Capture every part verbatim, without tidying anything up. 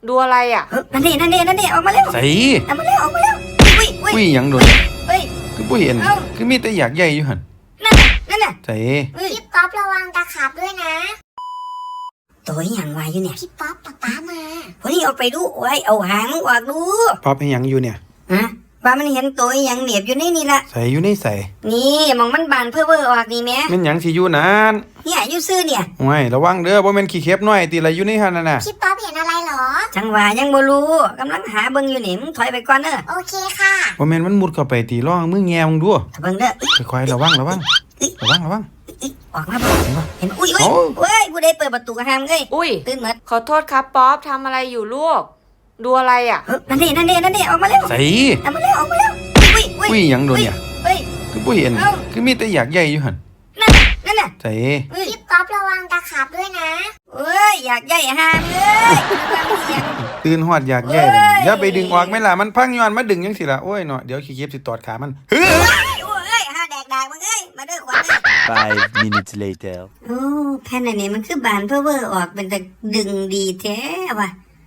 ดูอะไรอ่ะนั่นนี่นั่นนี่นั่นนี่ออกมาเร็วใส่ออกมาเร็วออกมาเร็วอุ้ยอุ้ยปุ้ยหยังโดนเฮ้ยคือปุ้ยเห็นคือมีแต่อยากใหญ่อยู่หั่นนั่นน่ะนั่นน่ะใส่พี่ป๊อประวังตะขาบด้วยนะตัวอย่างวายอยู่เนี่ยพี่ป๊อปป๊าป๊ามาวันนี้เอาไปดูไว้เอาหางมึงออกดูป๊อปให้หยังอยู่เนี่ยฮะว่ามันเห็นตัวอย่างเหนียบอยู่ในนี่ละใส่อยู่ในใส่นี่มองมันบานเพื่อเวอร์ออกนี่แม่แม่นหยังสิอยู่นานเนี่ยอยู่ซื่อเนี่ยโอ้ยระวังเด้อบ่แม่นขี้เข็บน้อยติละอยู่ในหั่นน่ะน่ะพี่ป๊อปเห็นอะไรเหรอจังหวะยังบ่รู้กำลังหาเบิ่งอยู่นี่มึงถอยไปก่อนเด้อโอเคค่ะบ่แม่นมันมุดเข้าไปตีร่องมือแงมึงดูเบิ่งเด้อค่อยๆระวังระวังระวังระวังออกมาบ่เห็นอุ้ยอุ้ยเว้ยผู้ใดเปิดประตูกระหามเอ้ยอุ้ยตื่นหมดขอโทษครับป๊อปทำอะไรอยู่ลูกดูอะไรอ่ะนั่นนี่นั่นนี่นั่นนี่ออกมาเร็วใส่ออกมาเร็วออกมาเร็วอุ้ยอุ้ยปุ้ยหยังโดนเนี่ยเฮ้ยคือปุ้ยเห็นคือมีแต่อยากใหญ่อยู่หั่นนั่นนั่นน่ะใส่พี่ป๊อประวังตะขาบด้วยนะเอ้ยอยากใหญ่หามเอ้ยตื่นฮอดอยากใหญ่เลยอย่าไปดึงออกแม่ล่ะมันพังย้อนมาดึงจังสิล่ะโอ้ยเนาะเดี๋ยวขี้เข็บสิตอดขามันเฮ้ยโอ้ยหาแดกดากมึงเอ้ยมาเด้อขวัญ Five minutes later โอ้แผ่นอันนี้มันคือบานเพื่อเวอร์ออกเป็นแต่ดึงดีแท้ว่ะ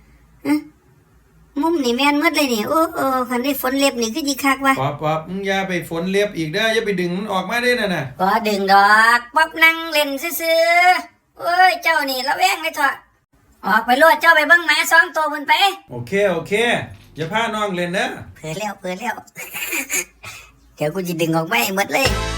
มุมนี่แม่นหมดเลยนี่โอ้โอ้คันได้ฝนเล็บนี่คือดีคักว่ะป๊อปป๊อปมึงอย่าไปฝนเล็บอีกเด้ออย่าไปดึงมันออกมาเด้อน่ะน่ะบ่ดึงดอกป๊อบนั่งเล่นซื่อๆโอ้ยเจ้านี่ระแวงเลยเถอะออกไปโลดเจ้าไปเบิ่งหมาสองตัวพุ่นไปโอเคโอเคอย่าพาน้องเล่นเด้อเผลอแล้วเผลอแล้วเดี๋ยวกูจะดึงออกมาให้หมดเลย